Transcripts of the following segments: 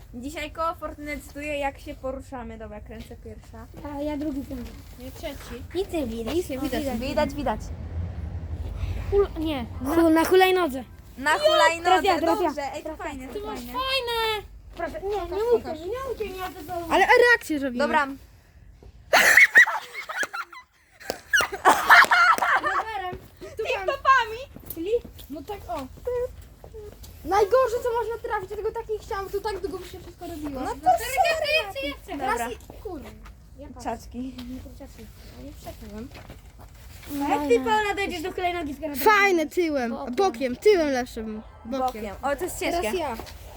Dzisiaj koło Fortuny decyduje, jak się poruszamy. Dobra, kręcę pierwsza. A ja drugi ten. Nie, trzeci. Nic nie widać. Nic nie widać. Widać. Nie. Na hulajnodze. Na hulajnodze, teraz ja. dobrze. Ej, to fajne, to fajne. Fajne. Proszę, nie mówcie, nie to Ale reakcję robimy. Dobra, rowerem. topami. Czyli? No tak o. Najgorsze co można trafić, dlatego tak nie chciałam, to tak długo by się wszystko robiło. No to Ja chcę. Dobra, Kurde. czaczki. Nie przekonam. Jak ty Paula dojdziesz do hulajnogi z garażu? Fajne tyłem, bokiem, tyłem lepszym. Bokiem. O, to jest ciężkie. Teraz ja.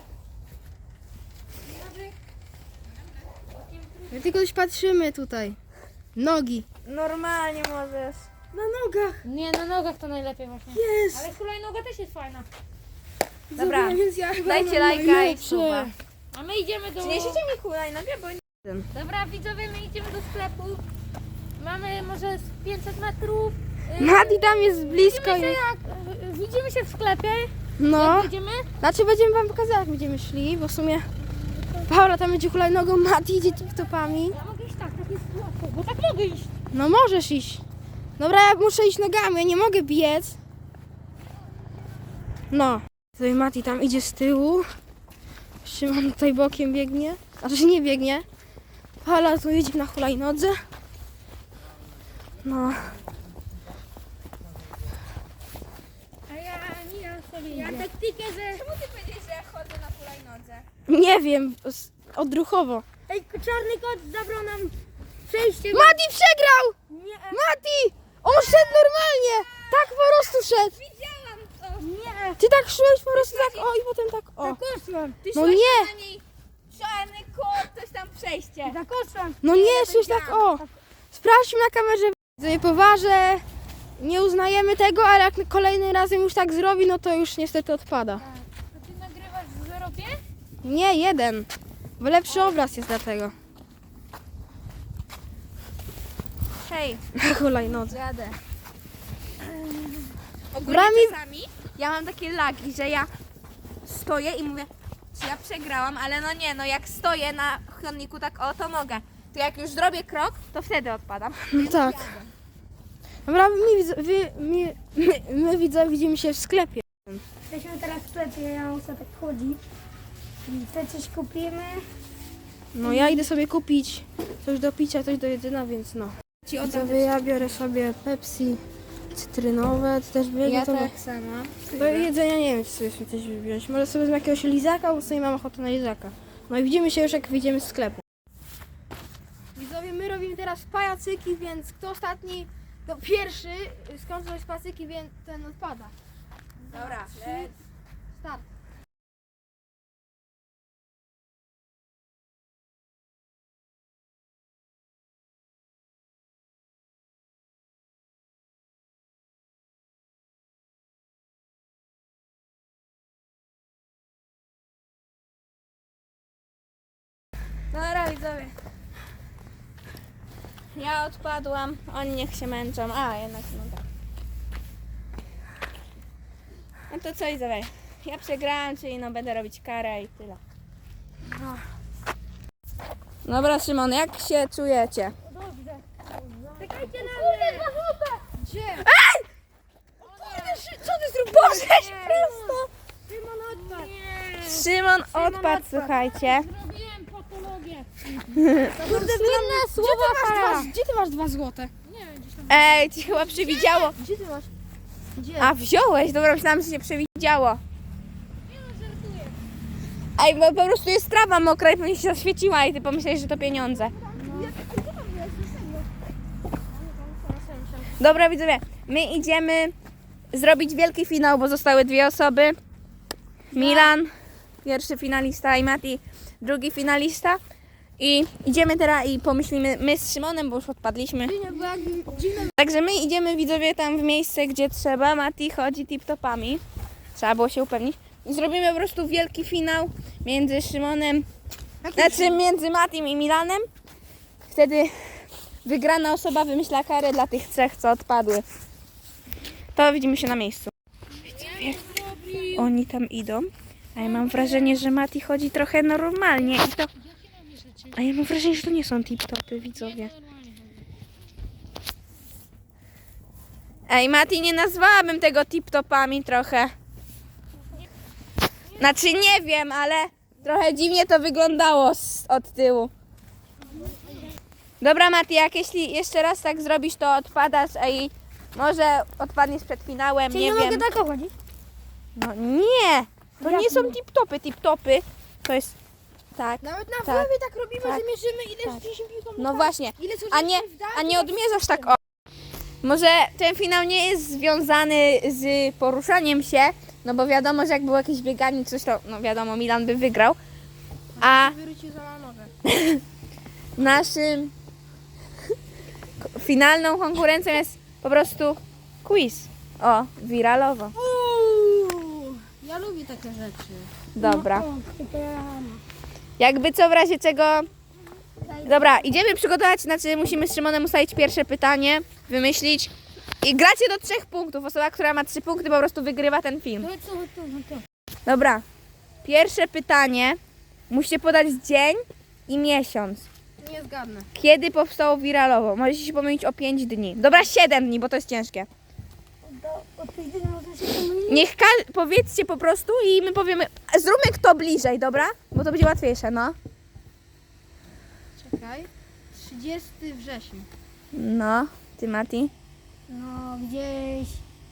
My tylko już patrzymy tutaj. Nogi. Normalnie możesz. Na nogach. Nie, na nogach to najlepiej właśnie. Jest. Ale hulajnoga też jest fajna. Dobra, Więc ja chyba dajcie mam lajka i najlepsze. suba. A my idziemy do... Przyniesiecie mi hulajnogę, bo nie... Dobra, widzowie, my idziemy do sklepu. Mamy może z 500 metrów. Mati tam jest blisko. Widzimy się w sklepie. No. Idziemy? Znaczy będziemy wam pokazać jak będziemy szli, bo w sumie Paula tam będzie hulajnogą, Mati idzie tip-topami. Ja mogę iść tak jest łatwo, bo tak mogę iść. No możesz iść. Dobra, ja muszę iść nogami, ja nie mogę biec. No. Tutaj Mati tam idzie z tyłu. Szymon tutaj bokiem biegnie. Znaczy nie biegnie. Paula tu jedzie na hulajnodze. No. A ja sobie ja taktykę, że... Czemu ty powiedziałeś, że ja chodzę na hulajnodze? Nie wiem, odruchowo. Ej, czarny kot zabrał nam przejście. Mati przegrał! Nie, Mati! On szedł normalnie! Tak po prostu szedł. Widziałam to. nie. Ty tak szłeś po prostu tak o i potem tak o. Zakoszłam. Ty No szłaś nie. na niej czarny kot, coś tam przejście. Zakoszłam. No nie, szłeś tak o. Sprawdźmy na kamerze. Nie poważę. Nie uznajemy tego, ale jak kolejny razem już tak zrobi, no to już niestety odpada. To ty nagrywasz w wyrobie? Nie, jeden. Bo lepszy obraz jest dlatego. Hej, Na hulajnodze. jadę. Ogólnie Brami... czasami ja mam takie lagi, że ja stoję i mówię, czy ja przegrałam, ale no nie, no jak stoję na chodniku tak o, to mogę. To jak już zrobię krok, to wtedy odpadam. No tak. Dobra, my widzowie widzimy się w sklepie. Jesteśmy teraz w sklepie, ja muszę tak chodzić. I te coś kupimy. No ja idę sobie kupić coś do picia, coś do jedzenia, więc no. Ci Widzowie, ja biorę sobie Pepsi cytrynowe, ty też bierzesz Ja to? tak samo. Do jedzenia nie wiem, czy sobie coś wziąć. Może sobie z jakiegoś lizaka, bo sobie mam ochotę na lizaka. No i widzimy się już, jak wyjdziemy z sklepu. Widzowie, my robimy teraz pajacyki, więc kto ostatni, to pierwszy skończy z pajacyki, więc ten odpada. Dobra, Start. Dobra, widzowie. Ja odpadłam, oni niech się męczą. A, jednak no tak. No to co, widzowie? Ja przegrałam, czyli no będę robić karę i tyle. Dobra, Szymon, jak się czujecie? Dobrze. Czekajcie na mnie. Gdzie? Co ty zrobiłeś? Boże, prosto! Szymon odpadł. Szymon odpadł, słuchajcie. Zrobiłem patologię. Kurde, Słynne słowa Gdzie ty masz 2 złote? Nie wiem, gdzieś tam. Ej, ci chyba przewidziało. Gdzie ty masz? Gdzie? A, wziąłeś? Dobra, myślałam, że się przewidziało. Nie no, żartuję. Ej, bo po prostu jest trawa mokra i pewnie się zaświeciła i ty pomyślałeś, że to pieniądze. Dobra, widzowie, my idziemy zrobić wielki finał, bo zostały 2 osoby. Milan, pierwszy finalista i Mati, drugi finalista. I idziemy teraz i pomyślimy, my z Szymonem, bo już odpadliśmy. Także my idziemy, widzowie, tam w miejsce, gdzie trzeba. Mati chodzi tip-topami. Trzeba było się upewnić. I zrobimy po prostu wielki finał między Szymonem, znaczy między Matim i Milanem. Wtedy wygrana osoba wymyśla karę dla tych 3, co odpadły. To widzimy się na miejscu. Widzowie, oni tam idą. A ja mam wrażenie, że Mati chodzi trochę normalnie i to... A ja mam wrażenie, że to nie są tip-topy, widzowie. Ej, Mati, nie nazwałabym tego tip-topami trochę. Znaczy nie wiem, ale trochę dziwnie to wyglądało od tyłu. Dobra, Mati, jak jeśli jeszcze raz tak zrobisz, to odpadasz, a i może odpadniesz przed finałem, Czyli nie nie wiem. mogę tak chodzić? No nie, to nie są tip-topy, tip-topy to jest tak. Nawet na Tak. wlewie tak robimy, Tak. że mierzymy ile Tak. rzuciliśmy piłką. No właśnie, Ile a nie odmierzasz tak o. Może ten finał nie jest związany z poruszaniem się, no bo wiadomo, że jak było jakieś bieganie, coś to, no wiadomo, Milan by wygrał. A Wyrzucił za nogę. naszym finalną konkurencją jest po prostu quiz. O, wiralowo. Ja lubię takie rzeczy. Dobra. Jakby co, w razie czego... Dobra, idziemy przygotować, znaczy musimy z Szymonem ustalić pierwsze pytanie, wymyślić. I gracie do 3 punktów. Osoba, która ma 3 punkty, po prostu wygrywa ten film. Dobra. Pierwsze pytanie. Musicie podać dzień i miesiąc. Nie zgadnę. Kiedy powstało wiralowo? Możecie się pomylić o 5 dni. Dobra, 7 dni, bo to jest ciężkie. Niech powiedzcie po prostu i my powiemy. Zróbmy kto bliżej, dobra? Bo to będzie łatwiejsze, no. Czekaj. 30 września. No, ty Mati. No gdzieś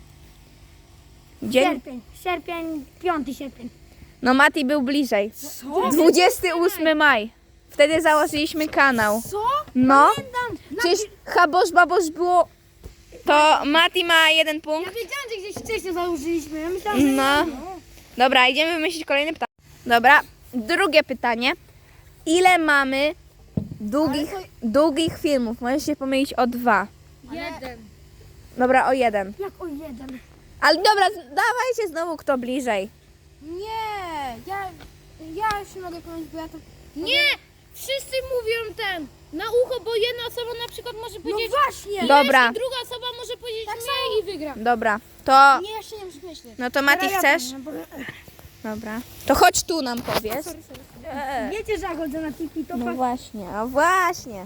Dzień. sierpień, 5 sierpień. No Mati był bliżej. 28 maj. Wtedy założyliśmy kanał. Co? No. Przecież Habosz Babosz było... To Mati ma 1 punkt. Ja wiedziałam, że gdzieś wcześniej założyliśmy. Ja myślałam, że No. Dobra, idziemy wymyślić kolejne pytanie. Dobra, drugie pytanie. Ile mamy długich filmów? Możesz się pomylić o 2. 1. Dobra, o 1. jak o 1. Ale dobra, dawajcie znowu kto bliżej. Nie. Ja już nie mogę pomyśleć, bo ja to... Nie! Wszyscy mówią ten na ucho, bo jedna osoba na przykład może No powiedzieć właśnie. Dobra, i druga osoba może powiedzieć mniej i wygra. dobra. To... Nie, jeszcze nie muszę myśleć. No to Mati chcesz? Dobra. To chodź tu nam powiedz. Wiecie, że ja chodzę na tiki, to No właśnie, a właśnie.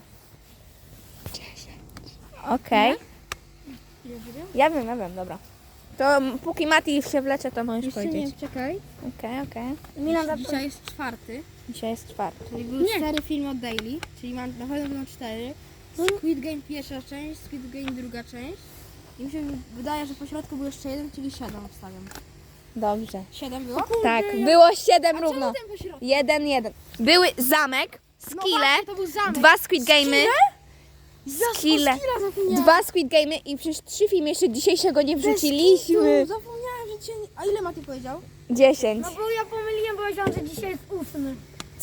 Okej. Ja wiem, dobra. To póki Mati się wlecze, to możesz Jeszcze powiedzieć. nie, czekaj. Okej. Milan Dzisiaj jest 4, Dzisiaj jest 4. czyli były 4 filmy od Daily, czyli na pewno będą 4. Squid Game pierwsza część, Squid Game druga część. I mi się wydaje, że po środku był jeszcze jeden, czyli 7 obstawiam. Dobrze. 7 było? Tak, było 7 A równo. czemu ten po środku? 1-1. Były zamek, No skille, właśnie, to był zamek. 2 Squid Game'y, skille, Skilla zapomniałam. 2 Squid Game'y i przecież 3 filmy jeszcze dzisiejszego nie wrzuciliśmy. Zapomniałam, że cię... A ile Mati powiedział? 10. No bo ja pomyliłem, bo myślałam, że dzisiaj jest 8.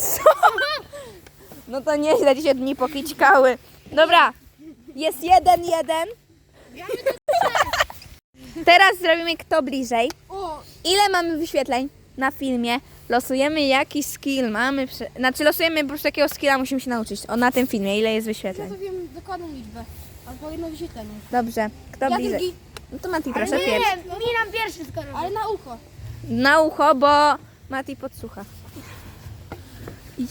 No to nieźle, dzisiaj dni pokićkały. Dobra, jest 1-1. Teraz zrobimy kto bliżej. O, Ile mamy wyświetleń na filmie? Losujemy jaki skill mamy. Znaczy losujemy po prostu jakiego skilla musimy się nauczyć. O, na tym filmie, ile jest ja wyświetleń. to wiem dokładną liczbę. Albo jedno wyświetlenie. Dobrze, kto Ja bliżej? drugi, No to Mati, proszę pierwszy. Nie, Milan pierwszy skoro. ale na ucho. Na ucho, bo Mati podsłucha. Idź.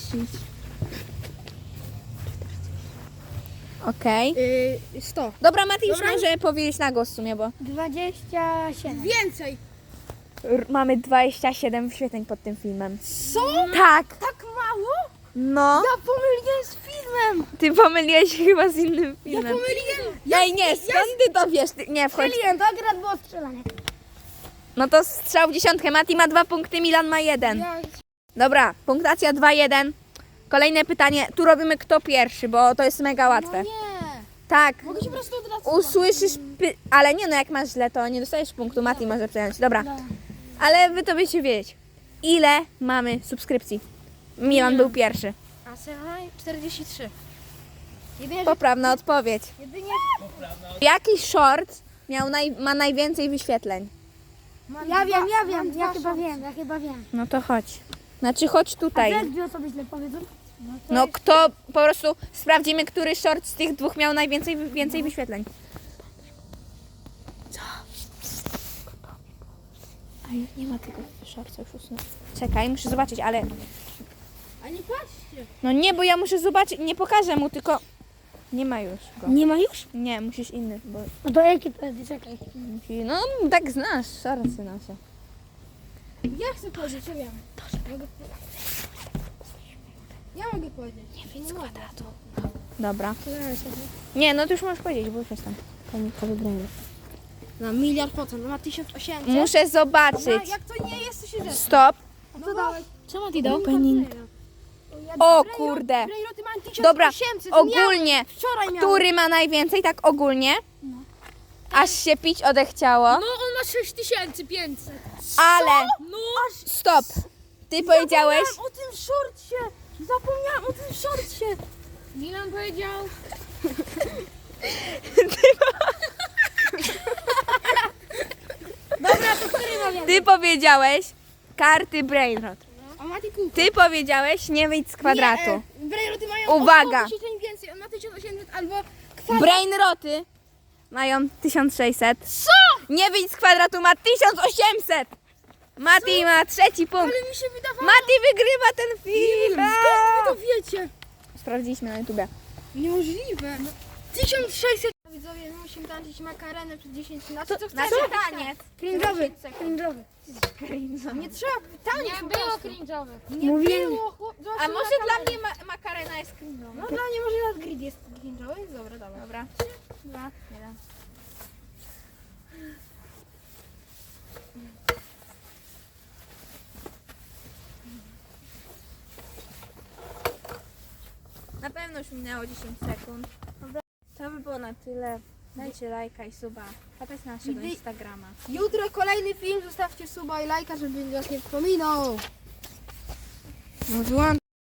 Okej. 100. Dobra, Mati już może powiedzieć na głos w sumie, bo 27. Więcej. mamy 27 wyświetleń pod tym filmem. Co? Tak. Tak mało? No. Ja pomyliłem z filmem. Ty pomyliłeś się chyba z innym Ja filmem. pomyliłem. Ej, nie, skąd ty to wiesz? Nie, wchodź. Strzeliłem, to akurat było strzelanie. No to strzał w 10. Mati ma 2 punkty, Milan ma 1. Ja... Dobra, punktacja 2-1. Kolejne pytanie. Tu robimy kto pierwszy, bo to jest mega No łatwe. nie. Tak. Mogę się po prostu od razu... Usłyszysz ale nie no, jak masz źle, to nie dostajesz punktu. Mati może przejąć. Dobra. Ale wy to będziecie wiedzieć. Ile mamy subskrypcji? Milan był pierwszy. A słuchaj, 43. Jedynie, Poprawna odpowiedź. jedynie... Jaki short ma najwięcej wyświetleń? Ja wiem, mam dwa ja chyba wiem. No to chodź. Znaczy chodź tutaj. Jak 2 osoby źle powiedzą? No kto, po prostu sprawdzimy, który short z tych dwóch miał więcej wyświetleń. Nie ma tego szorca już usunąć. Czekaj, muszę zobaczyć, ale... A nie patrzcie. No nie, bo ja muszę zobaczyć, nie pokażę mu, tylko... Nie ma już go. Nie ma już? Nie, musisz inny, bo... No to jaki to jest? Czekaj. No, tak znasz, szorcy nasze. Ja chcę powiedzieć, ja wiem. Mogę... Ja mogę powiedzieć. Nie wiem, z kwadratu. Dobra. Nie, no to już możesz powiedzieć, bo już jestem. Komikowy brainer. Na 1,000,000%, no ma 1800. Muszę zobaczyć. No, jak to nie jest, to się rzeczy. Stop. No co dałeś? Czemu ty do? Opening. O kurde. Brejroty mają 1800. Dobra, to ogólnie, Ja wczoraj miałem. który ma najwięcej, tak ogólnie? Aż się pić odechciało, No on ma 6500. ale... No! Stop. Ty powiedziałeś... Zapomniałem o tym szorcie. Zapomniałem o tym szorcie. Milan powiedział. Ty powiedziałeś karty Brainrot. A Mati kółko. Ty powiedziałeś nie wyjdź z kwadratu. Nie, Brejroty mają Uwaga. o 1000 więcej. On ma 1800 albo kwadrat. Brainroty mają 1600. Co? Nie wyjdź z kwadratu ma 1800. Mati ma trzeci punkt. Ale mi się wydawało. Mati wygrywa ten film. Skąd wy to wiecie? Sprawdziliśmy na YouTubie. Niemożliwe. No, 1600. Widzowie, my musimy tańczyć makarenę przed 10 lat. Co chcesz? taniec. Cringe'owy. Cringe'owy. Nie trzeba. Taniec Nie po było prostu. cringe'owych. Nie było. A może dla mnie makarena jest cringe'owa? No dla mnie może nawet grid jest cringe'owy. Dobra, dobra. Dobra. 2, 1. Na pewno już minęło 10 sekund. To by było na tyle. Dajcie lajka i suba. Wpadajcie na naszego Gdy- Instagrama. Jutro kolejny film. Zostawcie suba i lajka, żeby was nie wspominał. No wyłącz.